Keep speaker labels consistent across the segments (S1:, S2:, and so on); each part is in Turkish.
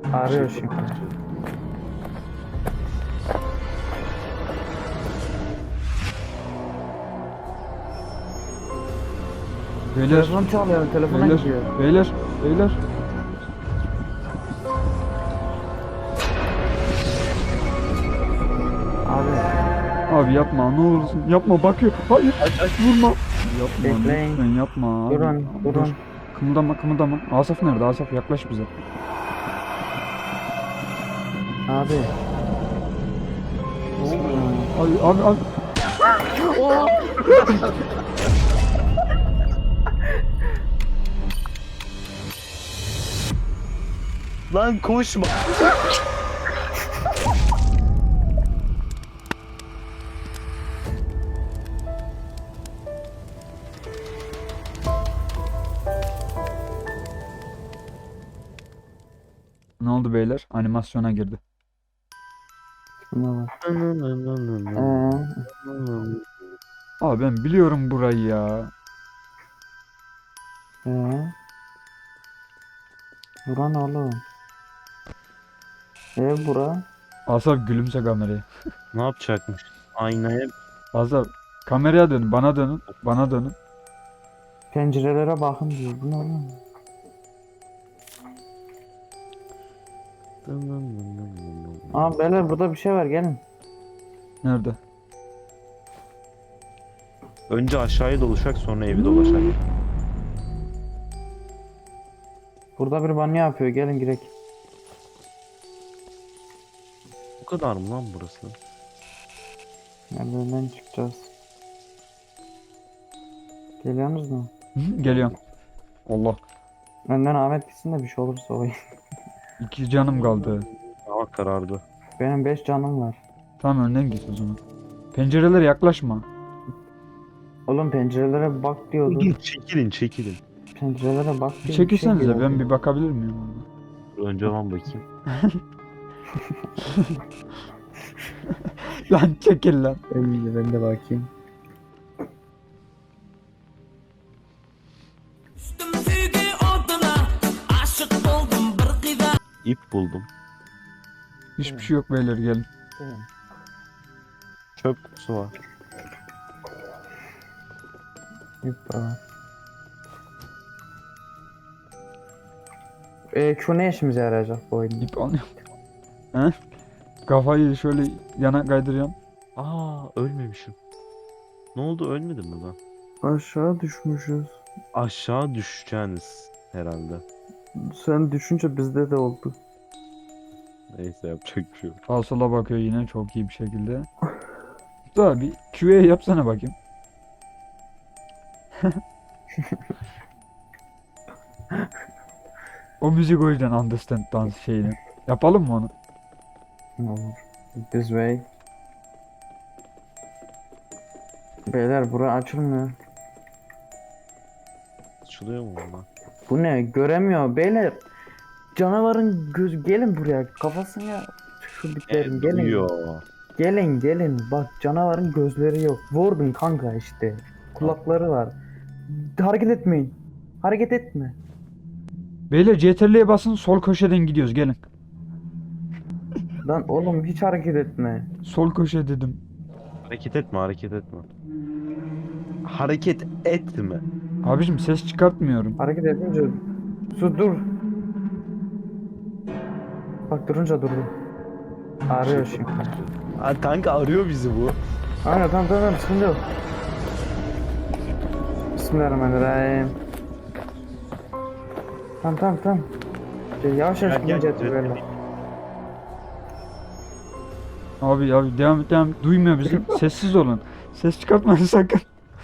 S1: Arıyor şimdi.
S2: Beyler,
S1: Telefon çalıyor, telefona
S2: beyler,
S1: gidiyor.
S2: beyler, beyler.
S1: Abi
S2: Abi yapma, ne olursun yapma, bakıyor. Hayır, vurma. Yapma,
S1: Bekleyin.
S2: lütfen yapma abi.
S1: durun,
S2: Dur.
S1: durun.
S2: Kımıldama, kımıldama. Asaf nerede? Asaf yaklaş bize.
S1: Abi.
S2: Abi, abi.
S3: Lan koşma.
S2: Ne oldu beyler? Animasyona girdi.
S1: Şuna bak.
S2: Abi ben biliyorum burayı ya.
S1: Buran oğlum. Ev bura.
S2: Asaf gülümse kameraya.
S3: Ne yapacakmış? Aynaya
S2: Asaf kameraya dönün, bana dönün, bana dönün.
S1: Pencerelere bakın diyor. Bu ne oğlum? Aa beyler burada bir şey var, gelin.
S2: Nerede?
S3: önce aşağıya dolaşak sonra evi dolaşak.
S1: Burada bir banyo yapıyor, gelin girek.
S3: Bu kadar mı lan burası?
S1: Merdivenden çıkacağız. Geliyorsunuz mu?
S2: Hı, geliyorum. Allah.
S1: Önden Ahmet gitsin de bir şey olursa o.
S2: 2 canım kaldı.
S3: Hava karardı.
S1: Benim 5 canım var.
S2: Tamam önden git o zaman. Pencerelere yaklaşma.
S1: Oğlum pencerelere bak diyordu.
S3: Dur çekilin çekilin.
S1: Pencerelere bak
S2: Bir
S1: diyor.
S2: çekilsenize
S1: diyordu.
S2: ben bir bakabilir miyim?
S3: Dur, önce ben bakayım.
S2: Lan çekil lan.
S1: Ben de bakayım.
S3: İp buldum.
S2: Hiçbir şey yok beyler gelin.
S3: Çöp kutusu var.
S1: Şu ne işimize yarayacak bu oyun?
S2: İp alıyorum. He? Kafayı şöyle yana kaydırıyorum.
S3: Aa ölmemişim. Ne oldu, ölmedim mi ben?
S1: Aşağı düşmüşüz.
S3: Aşağı düşeceğiniz herhalde.
S1: Sen düşünce bizde de oldu.
S3: Neyse yapacak bir şey yok.
S2: Sağa sola bakıyor yine çok iyi bir şekilde. Daha bir QA yapsana bakayım. O müzik o yüzden understand dans şeyini. Yapalım mı onu?
S1: Olur. This way. Beyler bura açılmıyor.
S3: Açılıyor mu bunlar?
S1: Bu ne? Göremiyor beyler. Canavarın göz, gelin buraya, kafasına şuradiklerin gelin.
S3: Duyuyor.
S1: Gelin bak, canavarın gözleri yok. Vurdun kanka işte. Kulakları var. Hareket etmeyin. Hareket etme.
S2: Beyler CTRL'ye basın sol köşeden gidiyoruz gelin.
S1: Lan oğlum hiç hareket etme.
S2: Sol köşe dedim.
S3: Hareket etme, hareket etme. Hareket etme.
S2: Abicim ses çıkartmıyorum.
S1: Hareket edince dur. Bak durunca durdu. Arıyor şimdi.
S3: Aa, kanka arıyor bizi bu.
S1: Aynen, tamam sıkıntı yok. Bismillahirrahmanirrahim. Tamam. Yavaş
S3: Gel,
S1: gidince
S3: gel,
S1: böyle.
S2: Abi devam et. Duymuyor bizi. Sessiz olun. Ses çıkartmayın sakın.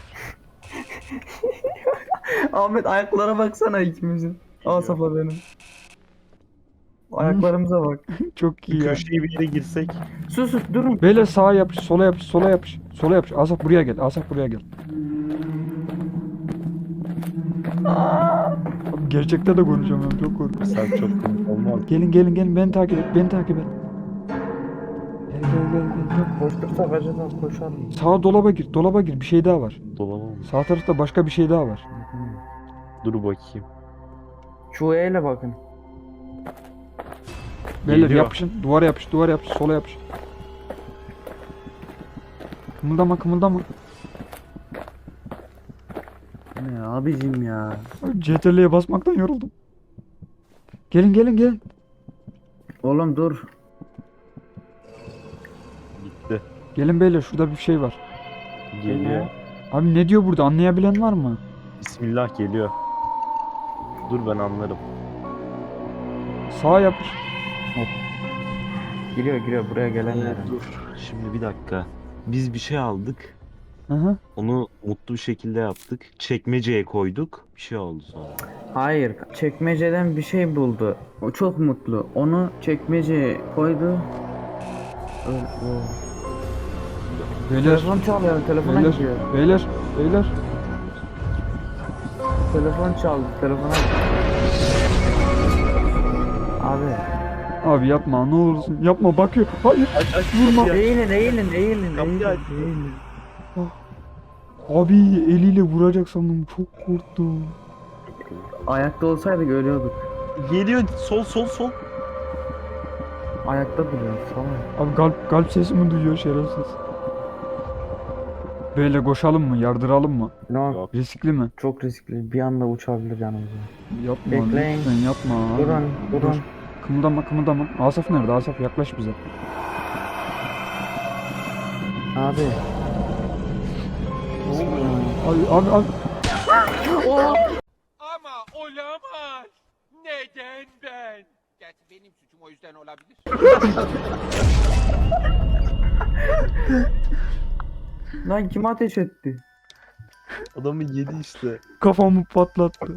S1: Ahmet ayaklara baksana ikimizin. Asaf'la benim. Ayaklarımıza bak.
S2: Çok iyi
S3: Bir
S2: ya.
S3: köşeye bir yere girsek.
S1: Sus durun.
S2: Beyler sağa yapış, sola yapış, sola yapış. Sola yapış. Asaf buraya gel. Asaf buraya gel. Abi gerçekten de konuşamıyorum. Çok korkuyorum.
S3: Sen çok komik olmaz.
S2: Gelin. Beni takip et. Gel. Gel.
S1: Koştursak acaba koşalım.
S2: Sağa dolaba gir. Dolaba gir. Bir şey daha var.
S3: Dolamam.
S2: Sağ tarafta başka bir şey daha var.
S3: Dur bakayım.
S1: Şu ile bakın.
S2: Beyler
S3: Geliyor.
S2: yapışın. Duvara yapış, duvara yapış, sola yapış. Kımıldama, kımıldama.
S1: Ne abicim ya.
S2: CTRL'ye basmaktan yoruldum. Gelin gelin gelin.
S1: Oğlum dur.
S3: Gitti.
S2: Gelin beyler, şurada bir şey var.
S3: Geliyor.
S2: Abi ne diyor burada, anlayabilen var mı?
S3: Bismillah geliyor. Dur ben anlarım.
S2: Sağa yapış.
S1: Giriyor buraya gelenler.
S3: Dur. Şimdi bir dakika. Biz bir şey aldık.
S2: Hı hı.
S3: Onu mutlu bir şekilde yaptık. Çekmeceye koyduk. Bir şey oldu sonra.
S1: Hayır, çekmeceden bir şey buldu. O çok mutlu. Onu çekmeceye koydu.
S2: Beyler,
S1: Telefon çalıyor, telefona
S2: beyler,
S1: gidiyor.
S2: beyler, beyler.
S1: Telefon çaldı, telefona. Abi.
S2: Abi yapma, ne olursun yapma, bakıyor. Hayır. Vurma.
S1: Eğilin.
S3: Kapıyı aç.
S2: Abi eliyle vuracak sandım, çok korktum.
S1: Ayakta olsaydık ölüyorduk.
S3: Geliyor. Sol.
S1: Ayakta duruyor, salak.
S2: Abi kalp sesimi duyuyor şerefsiz. Böyle koşalım mı, yardıralım mı?
S1: No,
S3: Yok.
S2: Riskli mi?
S1: çok riskli. Bir anda uçabilir yanımıza.
S2: Yapma
S1: Bekleyin.
S2: lütfen yapma. abi.
S1: Durun.
S2: Dur. Kımıldama. Asaf nerede? Asaf yaklaş bize.
S1: Abi.
S2: Abi.
S4: Ama olamaz. Neden ben? Gerçi benim suçum, o yüzden olabilir.
S1: Lan kim ateş etti?
S3: Adamı yedi işte.
S2: Kafamı patlattı.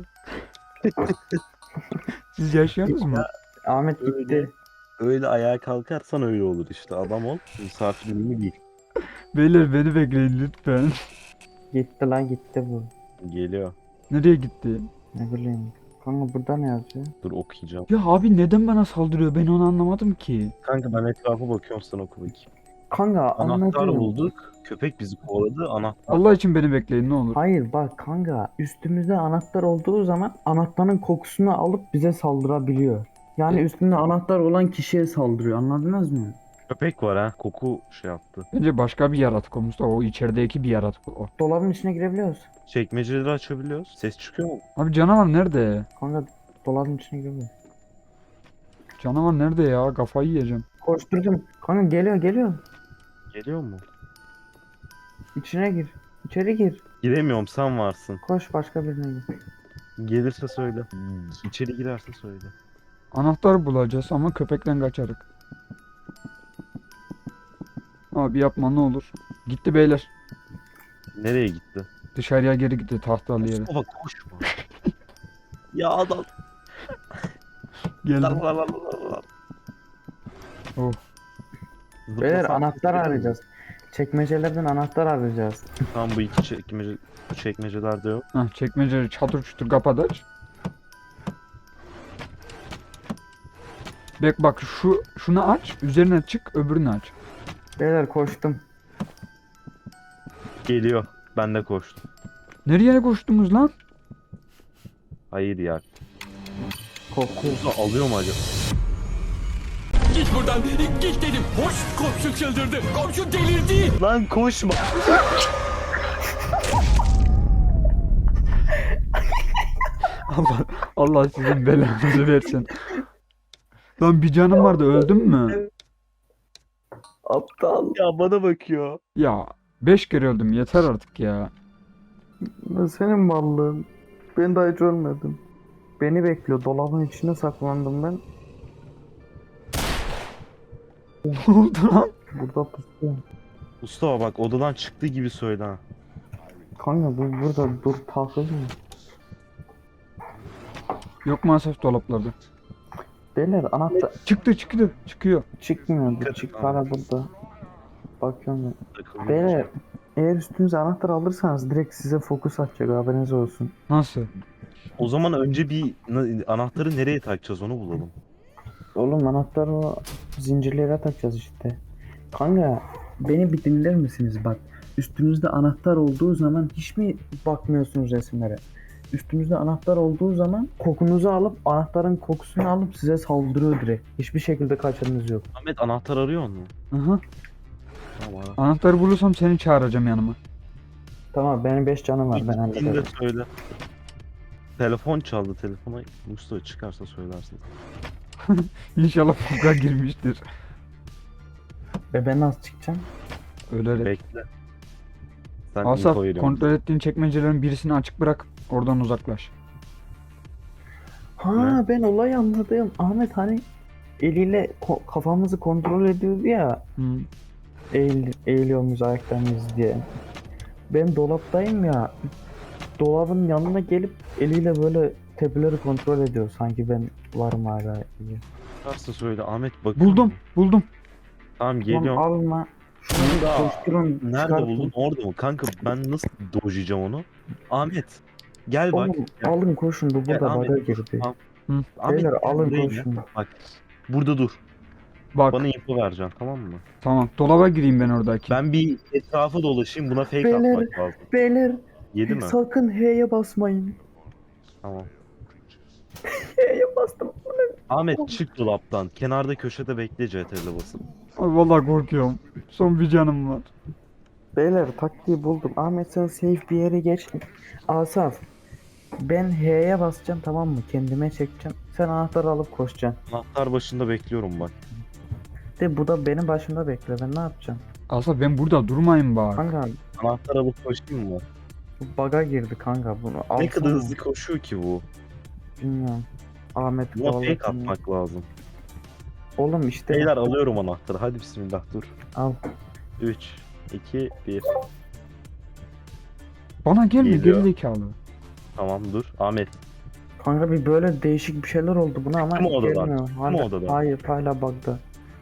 S2: Siz yaşıyorsunuz mu?
S1: Ahmet
S3: Öyle.
S1: gitti.
S3: Öyle ayağa kalkarsan öyle olur işte. Adam ol. Misafir ünlü değil.
S2: Beyler beni bekleyin lütfen.
S1: Gitti bu.
S3: Geliyor.
S2: Nereye gitti?
S1: Ne bileyim. Kanka burada ne yazıyor?
S3: Dur okuyacağım.
S2: Ya abi neden bana saldırıyor? Ben onu anlamadım ki.
S3: Kanka ben etrafa bakıyorum, sen oku bakayım.
S1: Kanka
S3: Anahtar
S1: anladım.
S3: bulduk. Köpek bizi kovaladı. Anahtar.
S2: Allah için beni bekleyin ne olur.
S1: Hayır bak kanka, üstümüzde anahtar olduğu zaman anahtarın kokusunu alıp bize saldırabiliyor. Yani üstünde anahtar olan kişiye saldırıyor, anladınız mı?
S3: Köpek var ha. Koku şey yaptı.
S2: Bence başka bir yaratık o Mustafa. O içerideki bir yaratık o.
S1: Dolabın içine girebiliyoruz.
S3: Çekmeceleri açabiliyoruz. Ses çıkıyor mu?
S2: Abi canavar nerede?
S1: Kanka dolabın içine girebiliyoruz.
S2: Canavar nerede ya? Kafayı yiyeceğim.
S1: Koşturdum. Kanka geliyor.
S3: Geliyor mu?
S1: İçine gir. İçeri gir.
S3: Giremiyorum, sen varsın.
S1: Koş başka birine gir.
S3: Gelirse söyle. İçeri girerse söyle.
S2: Anahtar bulacağız ama köpekten kaçarık. Abi yapma ne olur. Gitti beyler.
S3: Nereye gitti?
S2: Dışarıya geri gitti tahtalı yere.
S3: Mustafa koşma. Ya adam.
S2: Geldim. Oh.
S1: Beyler anahtar arayacağız. Çekmecelerden anahtar arayacağız.
S3: Tam bu iki çekmecelerde yok.
S2: Hah çekmeceleri çatır çutur kapat aç. Bak şunu aç, üzerine çık, öbürünü aç.
S1: Beyler koştum.
S3: Geliyor. Ben de koştum.
S2: Nereye koştunuz lan?
S3: Hayır ya.
S1: Kokuyor.
S3: Mustafa alıyor mu acaba?
S4: Git buradan. Git dedim. Hoş, komşu çıldırdı. Komşu delirdi.
S3: Lan koşma.
S2: Allah sizin belanızı versin. Lan bir canım vardı, öldüm mü?
S1: Aptal.
S3: Ya bana bakıyor.
S2: Ya 5 kere öldüm, yeter artık ya.
S1: Senin mallığın. Ben daha hiç ölmedim. Beni bekliyor. Dolabın içine saklandım ben.
S2: Ne oldu lan?
S1: Burada pusuyor.
S3: Mustafa bak, odadan çıktığı gibi söyle ha.
S1: Kanka burada dur takılma.
S2: Yok maalesef dolaplarda.
S1: Beyler anahtar
S2: Çıkıyor.
S1: çıkmıyor.
S3: Dikkat
S1: Çık
S3: et
S1: hala
S3: abi.
S1: burada. Bakıyorum ben.
S3: Takılıyor.
S1: Beyler eğer üstünüze anahtar alırsanız direkt size fokus atacak, haberiniz olsun.
S2: Nasıl?
S3: O zaman önce bir anahtarı nereye takacağız onu bulalım.
S1: Oğlum anahtarı o zincirlere takacağız işte. Kanka beni bir dinler misiniz bak. Üstünüzde anahtar olduğu zaman hiç mi bakmıyorsunuz resimlere? üstünüzde anahtar olduğu zaman kokunuzu alıp anahtarın kokusunu alıp size saldırıyor direkt. Hiçbir şekilde kaçarınız yok.
S3: Ahmet anahtar arıyor mu?
S2: Aha.
S3: Tamam.
S2: Anahtarı bulursam seni çağıracağım yanıma.
S1: Tamam benim 5 canım var ben
S3: Gittiğinde
S1: hallederim.
S3: söyle. Telefon çaldı, telefona Mustafa çıkarsa söylersin.
S2: İnşallah fuga girmiştir.
S1: Ve ben nasıl çıkacağım?
S2: Öyle.
S3: Bekle. Sen
S2: Asaf,
S3: info veriyorsun.
S2: kontrol ettiğin çekmecelerin birisini açık bırak. Oradan uzaklaş.
S1: Ha ben olayı anladım. Ahmet hani eliyle kafamızı kontrol ediyordu ya.
S2: Hı.
S1: Eğiliyor muyuz ayakta mıyız diye. Ben dolaptayım ya. Dolabın yanına gelip eliyle böyle tepeleri kontrol ediyor. Sanki ben varım hala.
S3: Çıkarsa söyle Ahmet bak.
S2: Buldum, buldum.
S3: Tamam
S1: Tamam
S3: geliyorum.
S1: alma. Şunu da koşturun.
S3: Nerede
S1: çıkartın.
S3: buldun? Orada mı? Kanka ben nasıl dojlayacağım onu? Ahmet. Gel bak.
S1: Oğlum
S3: Gel.
S1: alın koşun bu
S3: Gel,
S1: burada
S3: Ahmet,
S1: baga
S3: dur.
S1: girdi.
S3: Tamam.
S2: Hı.
S3: Ahmet,
S1: Beyler
S3: gel
S1: alın
S3: buraya gel.
S1: koşun.
S3: Bak. Burada dur.
S2: Bak,
S3: Bana info vereceksin tamam mı?
S2: tamam. Dolaba gireyim ben oradaki.
S3: Ben bir etrafa dolaşayım. Buna fake
S1: Beyler.
S3: atmak lazım.
S1: Beyler
S3: Yedi mi?
S1: sakın H'ye basmayın.
S3: Tamam.
S1: H'ye bastım.
S3: Ahmet çık dolaptan. Kenarda köşede bekle CTRL'e basıp.
S2: Ay, vallahi korkuyorum. Son bir canım var.
S1: Beyler taktiği buldum. Ahmet sen safe bir yere geç. Asaf. Ben H'ye basacağım tamam mı? Kendime çekeceğim. Sen anahtarı alıp koşacaksın.
S3: Anahtar başında bekliyorum bak.
S1: De bu da benim başımda bekle. Ben ne yapacağım?
S2: Asaf ben burada durmayayım bak.
S1: Kanka
S3: Anahtar alıp koşayım mı?
S1: bu bug'a girdi kanka bunu.
S3: Ne
S1: Alsana.
S3: kadar hızlı koşuyor ki bu.
S1: Bilmiyorum. Ahmet
S3: Buna fake
S1: kovalasın.
S3: atmak lazım.
S1: Oğlum işte.
S3: Beyler alıyorum anahtarı. Hadi bismillah dur.
S1: Al.
S3: 3, 2, 1.
S2: Bana gelme
S3: Geliyor.
S2: gerizekalı.
S3: Tamam dur. Ahmet.
S1: Kanka bir böyle değişik bir şeyler oldu buna ama
S3: Çıktı mı odadan?
S1: gelmiyor.
S3: Çıktı mı odadan?
S1: Hayır hala bug'da.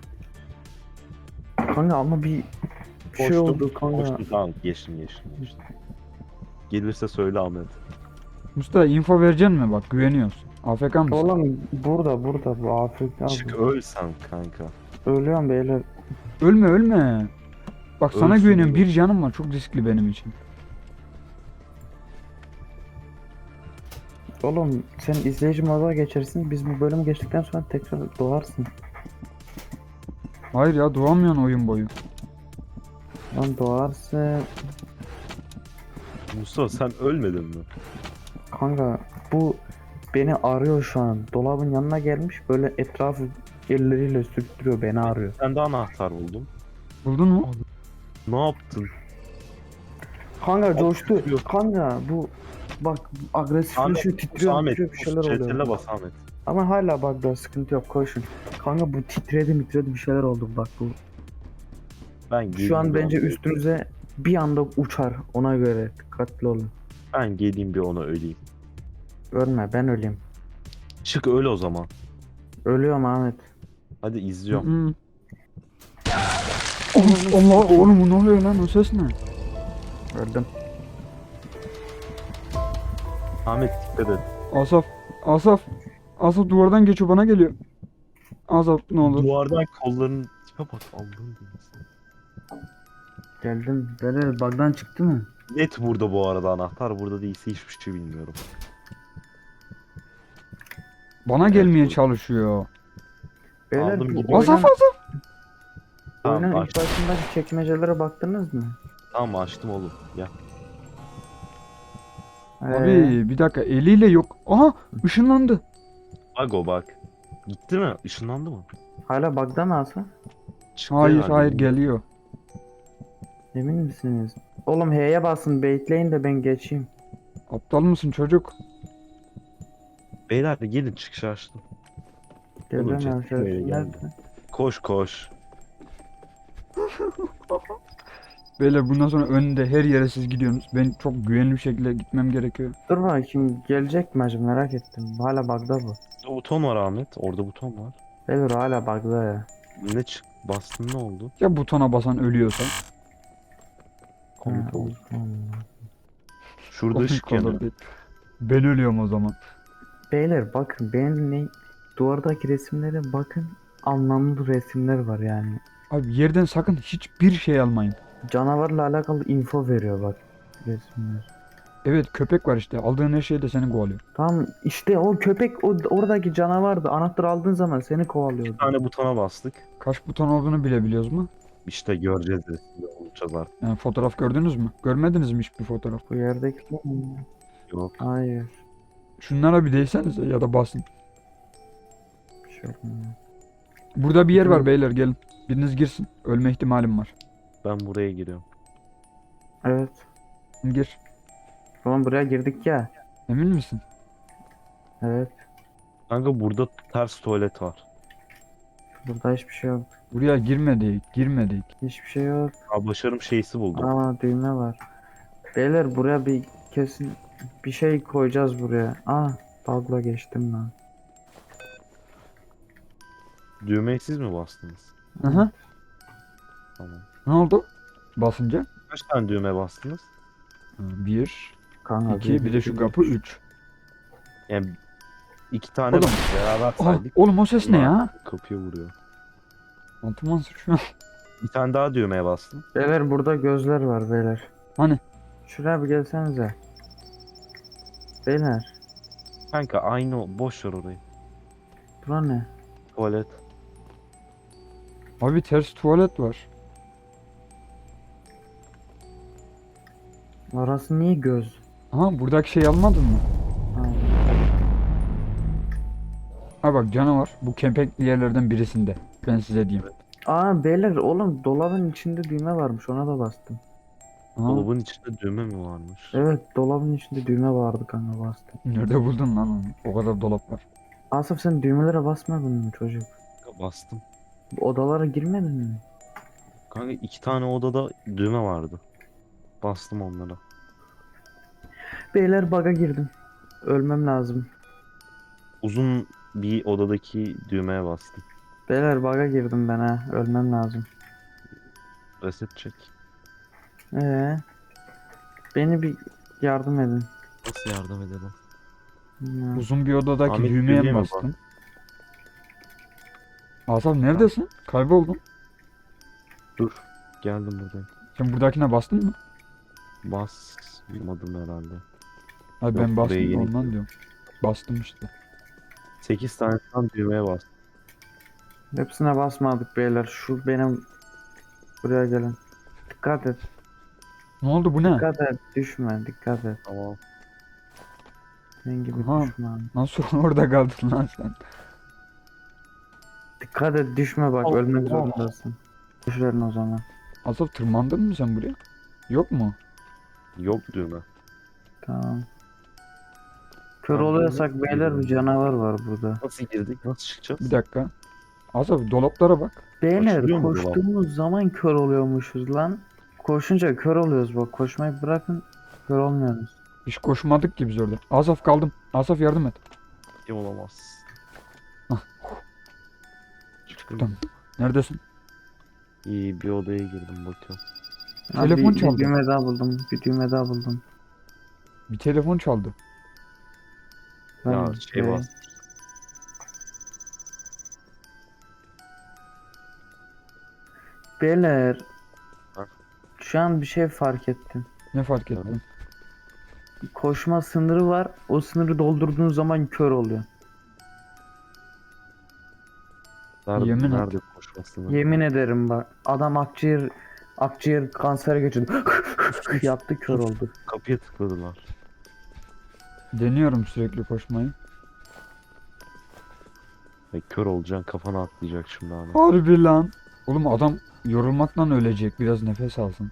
S1: Kanka ama bir şey
S3: Koştum,
S1: oldu kanka.
S3: Koştum tamam geçtim. Gelirse söyle Ahmet.
S2: Mustafa info vereceksin mi bak güveniyoruz. AFK mısın?
S1: Oğlum burada bu Afrika.
S3: Çık öl sen kanka.
S1: Ölüyorum beyler.
S2: Ölme ölme. Bak sana
S3: Ölsün
S2: güveniyorum.
S3: oğlum.
S2: Bir canım var. Çok riskli benim için.
S1: Oğlum sen izleyici moda geçersin. Biz bu bölümü geçtikten sonra tekrar doğarsın.
S2: Hayır ya doğamıyorsun oyun boyu.
S1: Lan doğarsın.
S3: Mustafa sen ölmedin mi?
S1: Kanka bu beni arıyor şu an. Dolabın yanına gelmiş böyle etrafı elleriyle sürttürüyor beni arıyor.
S3: Sen de anahtar buldum.
S2: Buldun mu?
S3: Ne yaptın?
S1: Kanka coştu.
S3: titriyor.
S1: Kanka bu bak agresifleşiyor titriyor
S3: Ahmet.
S1: titriyor bir şeyler
S3: CTRL'e
S1: oluyor.
S3: bas Ahmet.
S1: Ama hala bug'da sıkıntı yok koşun. Kanka bu titredi bir şeyler oldu bak bu.
S3: Ben
S1: Şu an
S3: geleyim
S1: bence
S3: bir ona-
S1: üstünüze bir anda uçar ona göre dikkatli olun.
S3: Ben geleyim bir ona öleyim.
S1: Ölme ben öleyim.
S3: Çık öl o zaman.
S1: Ölüyorum Ahmet.
S3: Hadi izliyorum.
S2: Hı. Allah oğlum ne oluyor lan o ses ne?
S1: Öldüm.
S3: Ahmet dikkat et.
S2: Asaf duvardan geçiyor bana geliyor. Asaf ne olur.
S3: Duvardan kollarının tipe bak Allah'ım.
S1: Geldim. Böyle bug'dan çıktı mı?
S3: Net burada bu arada anahtar. Burada değilse hiçbir şey bilmiyorum.
S2: Bana gelmeye
S3: bu-
S2: çalışıyor.
S1: Beyler
S3: Aldım,
S1: bu
S3: gidiyorum.
S2: Asaf
S3: Tamam,
S1: oyunun
S3: aç.
S1: ilk başındaki çekmecelere baktınız mı?
S3: Tamam açtım oğlum. Ya.
S2: Abi bir dakika eliyle yok. Aha ışınlandı.
S3: Bak o bak. Gitti mi? Işınlandı mı?
S1: Hala bug'da mı Asaf?
S3: Çıktı
S2: Hayır
S3: herhalde.
S2: hayır geliyor.
S1: Emin misiniz? Oğlum H'ye basın baitleyin de ben geçeyim.
S2: Aptal mısın çocuk?
S3: Beyler de gelin çıkışı açtım.
S1: Geliyorum
S3: chat
S1: yavaş
S3: buraya
S1: yavaş.
S3: geldi.
S1: Nerede?
S3: Koş koş.
S2: Beyler bundan sonra önde her yere siz gidiyorsunuz. Ben çok güvenli bir şekilde gitmem gerekiyor.
S1: Dur bakayım gelecek mi acaba merak ettim. Hala bug'da bu.
S3: O buton var Ahmet. Orada buton var.
S1: Beyler hala bug'da ya.
S3: Ne çık? Bastın ne oldu?
S2: Ya butona basan ölüyorsa?
S3: Komik
S1: Ha,
S3: oldu.
S1: olsun.
S3: Şurada
S2: Komik
S3: ışık
S2: olur
S3: yanıyor.
S2: değil. Ben ölüyorum o zaman.
S1: Beyler bakın benim ne duvardaki resimlere bakın anlamlı resimler var yani.
S2: Abi yerden sakın hiçbir şey almayın.
S1: Canavarla alakalı info veriyor bak resimler.
S2: Evet köpek var işte. Aldığın her şey de seni kovalıyor.
S1: Tamam işte o köpek oradaki canavardı. Anahtarı aldığın zaman seni
S3: Bir
S1: kovalıyordu.
S3: tane butona bastık.
S2: Kaç buton olduğunu bilebiliyoruz mu?
S3: İşte göreceğiz de. Olacağız artık.
S2: Yani fotoğraf gördünüz mü? Görmediniz mi hiçbir fotoğraf?
S1: Bu yerdeki
S3: Yok.
S1: hayır.
S2: Şunlara bir değsenize ya da basın.
S1: Bir şey yapmıyor.
S2: Burada bir yer var beyler gelin. Biriniz girsin. Ölme ihtimalim var.
S3: Ben buraya giriyorum.
S1: Evet.
S2: Gir.
S1: Oğlum buraya girdik ya.
S2: Emin misin?
S1: Evet.
S3: Kanka burada ters tuvalet var.
S1: Burada hiçbir şey yok.
S2: Buraya girmedik. Girmedik.
S1: Hiçbir şey yok.
S3: Aa, başarım şeysi buldum.
S1: Aa düğme var. Beyler buraya bir kesin bir şey koyacağız buraya. Aa bug'la geçtim lan.
S3: Düğmeyi siz mi bastınız?
S2: Aha.
S3: Tamam.
S2: Ne oldu? Basınca.
S3: Kaç tane düğme bastınız?
S2: 1,
S1: Kanka
S2: 2, bir de şu kapı 3.
S3: Yani 2 tane
S2: Oğlum.
S3: beraber
S2: Aa,
S3: saydık.
S2: oğlum o ses ne ya?
S3: Kapıya vuruyor.
S2: Altıman şu an.
S3: Bir tane daha düğmeye bastım.
S1: Beyler burada gözler var beyler.
S2: Hani?
S1: Şuraya bir gelsenize. Beyler.
S3: Kanka aynı boş ver orayı.
S1: Bura ne?
S3: Tuvalet.
S2: Abi ters tuvalet var.
S1: Orası niye göz?
S2: Aha buradaki şey almadın mı?
S1: Ha.
S2: Ha bak canavar. Bu kempekli yerlerden birisinde. Ben size diyeyim.
S1: Aa beyler oğlum dolabın içinde düğme varmış ona da bastım.
S2: Aha,
S3: Dolabın içinde düğme mi varmış?
S1: Evet dolabın içinde düğme vardı kanka bastım.
S2: nerede buldun lan onu? O kadar dolap var.
S1: Asaf sen düğmelere basmadın mı çocuk?
S3: Kanka bastım.
S1: Odalara girmedin mi?
S3: Kanka 2 tane odada düğme vardı. Bastım onlara.
S1: Beyler bug'a girdim. Ölmem lazım.
S3: Uzun bir odadaki düğmeye bastım.
S1: Beyler bug'a girdim ben ha. Ölmem lazım.
S3: Reset çek.
S1: Beni bir yardım edin.
S3: Nasıl yardım edelim?
S1: Ya.
S2: Uzun bir odadaki
S3: Ahmet,
S2: düğmeye mi
S3: düğmeye mi
S2: bastın? Asaf neredesin? Kayboldun.
S3: Dur. Geldim buraya.
S2: Sen buradakine bastın mı?
S3: Basmadım herhalde.
S2: Hayır
S3: Yok,
S2: ben
S3: buraya
S2: bastım
S3: yeni
S2: ondan
S3: girdim.
S2: diyorum. Bastım işte.
S3: 8 tane tam düğmeye bastım.
S1: Hepsine basmadık beyler. Şu benim buraya gelin. Dikkat et.
S2: Ne oldu bu ne?
S1: Dikkat et. Düşme. Dikkat et.
S3: Tamam.
S1: Senin gibi
S2: Aha.
S1: düşme.
S2: Nasıl orada kaldın lan sen?
S1: Dikkat et düşme bak
S3: Allah.
S1: ölmek zorundasın. Düşerin o zaman.
S2: Asaf tırmandın mı sen buraya? Yok mu?
S3: Yok düğme.
S1: Tamam. Kör
S3: Tamam,
S1: oluyorsak
S3: bunu
S1: beyler bir canavar var burada.
S3: Nasıl girdik? Nasıl çıkacağız?
S2: Bir dakika. Asaf dolaplara bak.
S1: Beyler
S3: Açılıyor mu
S1: koştuğumuz zaman kör oluyormuşuz lan. Koşunca kör oluyoruz bak. Koşmayı bırakın kör olmuyoruz.
S2: Hiç koşmadık ki biz orada. Asaf kaldım. Asaf yardım et.
S3: Kim olamaz.
S2: Hah.
S3: Çıktım.
S2: Tamam. Neredesin?
S3: İyi bir odaya girdim bakıyorum.
S1: Ha,
S2: Telefon
S1: bir
S2: çaldı.
S1: düğme daha buldum. Bir düğme daha buldum.
S2: Bir telefon çaldı.
S3: Ya
S1: Ben
S3: şey bas.
S1: Beyler.
S3: Ha.
S1: Şu an bir şey fark ettim.
S2: Ne fark ettin?
S1: Koşma sınırı var. O sınırı doldurduğun zaman kör oluyor.
S3: Nerede,
S2: Yemin et.
S3: nerede koşmasını?
S1: Yemin ederim bak. Adam akciğer kansere geçirdi. Yaptı kör oldu.
S3: Kapıya tıkladılar.
S2: Deniyorum sürekli koşmayı.
S3: Kör olacaksın kafana atlayacak şimdi abi.
S2: Harbi lan. Oğlum adam yorulmaktan ölecek. Biraz nefes alsın.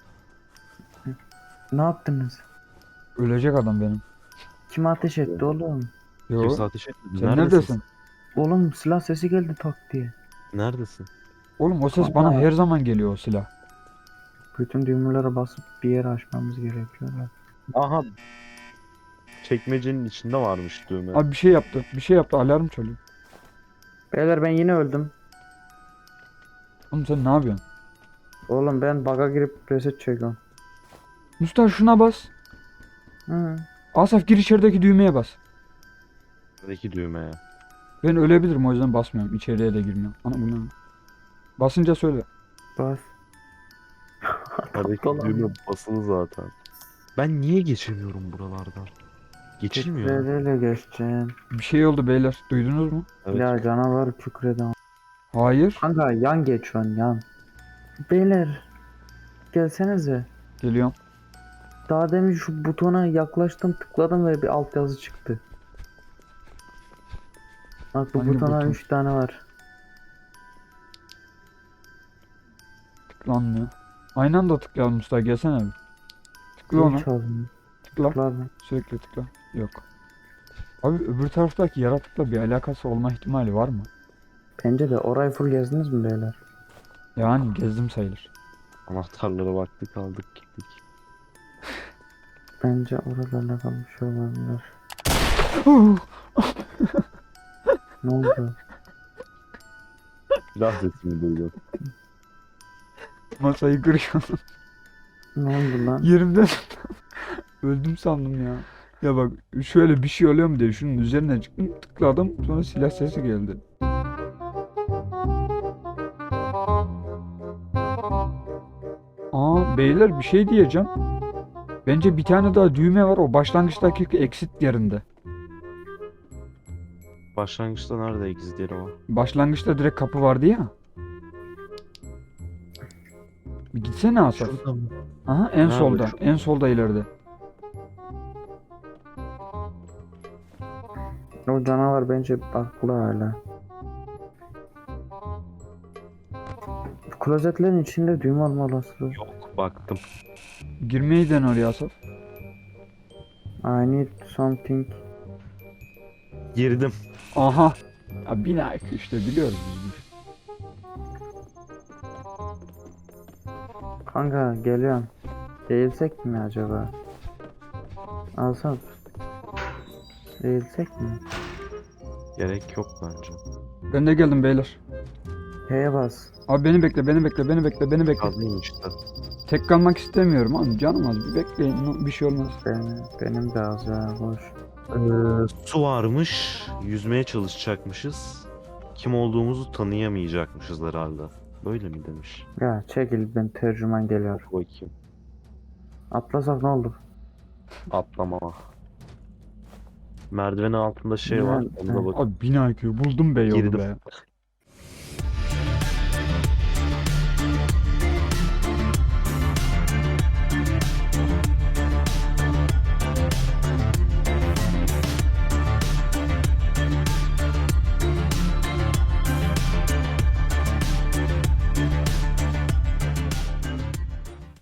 S1: Ne yaptınız?
S2: Ölecek adam benim.
S1: Kim ateş etti oğlum?
S2: Yo.
S3: Kimse ateş etmedi.
S2: Sen neredesin?
S1: Oğlum silah sesi geldi tak diye.
S3: Neredesin?
S2: Oğlum o ses bana her zaman geliyor o silah.
S1: Bütün düğmelere basıp bir yere açmamız gerekiyor.
S3: Aha. Çekmecenin içinde varmış düğme.
S2: Abi bir şey yaptı. Bir şey yaptı. Alarm çalıyor.
S1: Beyler ben yine öldüm.
S2: Oğlum sen ne yapıyorsun?
S1: Oğlum ben bug'a girip reset çekiyorum.
S2: Mustafa şuna bas.
S1: Hı.
S2: Asaf gir içerideki düğmeye bas.
S3: Neredeki düğmeye.
S2: Ben ölebilirim o yüzden basmıyorum. İçeriye de girmiyorum. Ana bu ne? Basınca söyle.
S1: Bas.
S3: Neredeki
S1: Dolan.
S3: düğme basılı zaten. Ben niye geçemiyorum buralardan? Geçilmiyor.
S1: Tekreyle geçeceğim.
S2: Bir şey oldu beyler. Duydunuz mu?
S3: Evet.
S1: Ya canavar kükreden.
S2: Hayır.
S1: Kanka yan geçiyorsun yan. Beyler gelsenize.
S2: Geliyorum.
S1: Daha demin şu butona yaklaştım tıkladım ve bir altyazı çıktı. Bak bu
S2: Hangi
S1: butona
S2: buton?
S1: 3 tane var.
S2: Tıklanmıyor. Aynı anda tıklayalım Mustafa. Gelsene bir. Tıkla ona.
S1: Hiç aldım.
S2: Tıkla.
S1: Tıkladım.
S2: Sürekli tıkla. Yok. Abi öbür taraftaki yaratıkla bir alakası olma ihtimali var mı?
S1: Bence de orayı full gezdiniz mi beyler?
S2: Yani gezdim sayılır.
S3: Anahtarlara baktık aldık gittik.
S1: Bence oralarla kalmış olabilir. Ne oldu?
S3: Silah sesimi duydum.
S2: Masayı kırıyorum.
S1: Ne oldu lan?
S2: Yerimden öldüm sandım ya. Ya bak şöyle bir şey oluyor mu diye şunun üzerine çıktım tıkladım sonra silah sesi geldi. Aa beyler bir şey diyeceğim. Bence bir tane daha düğme var o başlangıçtaki exit yerinde.
S3: Başlangıçta nerede exitleri var?
S2: Başlangıçta direkt kapı vardı ya. Bir gitsene Asaf.
S3: Şurada mı?
S2: Aha en
S3: Ha,
S2: solda.
S3: şu-
S2: En solda ileride.
S1: O canavar bence baklı hala. Klozetlerin içinde düğme olma olasılığı.
S3: Yok baktım.
S2: Girmeyi dene oraya Asaf.
S1: I need something.
S3: Girdim.
S2: Aha. Ya bina işte biliyoruz biz.
S1: Kanka geliyorum. Eğilsek mi acaba? Alsam. Eğilsek mi?
S3: Gerek yok bence.
S2: Ben de geldim beyler.
S1: H'ye bas.
S2: Abi beni bekle, beni bekle, beni bekle, beni bekle.
S3: Kaldıyım işte.
S2: Tek kalmak istemiyorum abi. Canım az bir bekleyin. Bir şey olmaz.
S1: Benim de az ya boş.
S3: Su varmış. Yüzmeye çalışacakmışız. Kim olduğumuzu tanıyamayacakmışız herhalde. Böyle mi demiş?
S1: Ya çekil ben tercüman geliyor.
S3: Bakayım.
S1: Atlasak ne olur?
S3: Atlama. Merdivenin altında şey var.
S1: Ne?
S3: Onda bak.
S2: Abi bina buldum be yolu
S3: Girdim.
S2: be.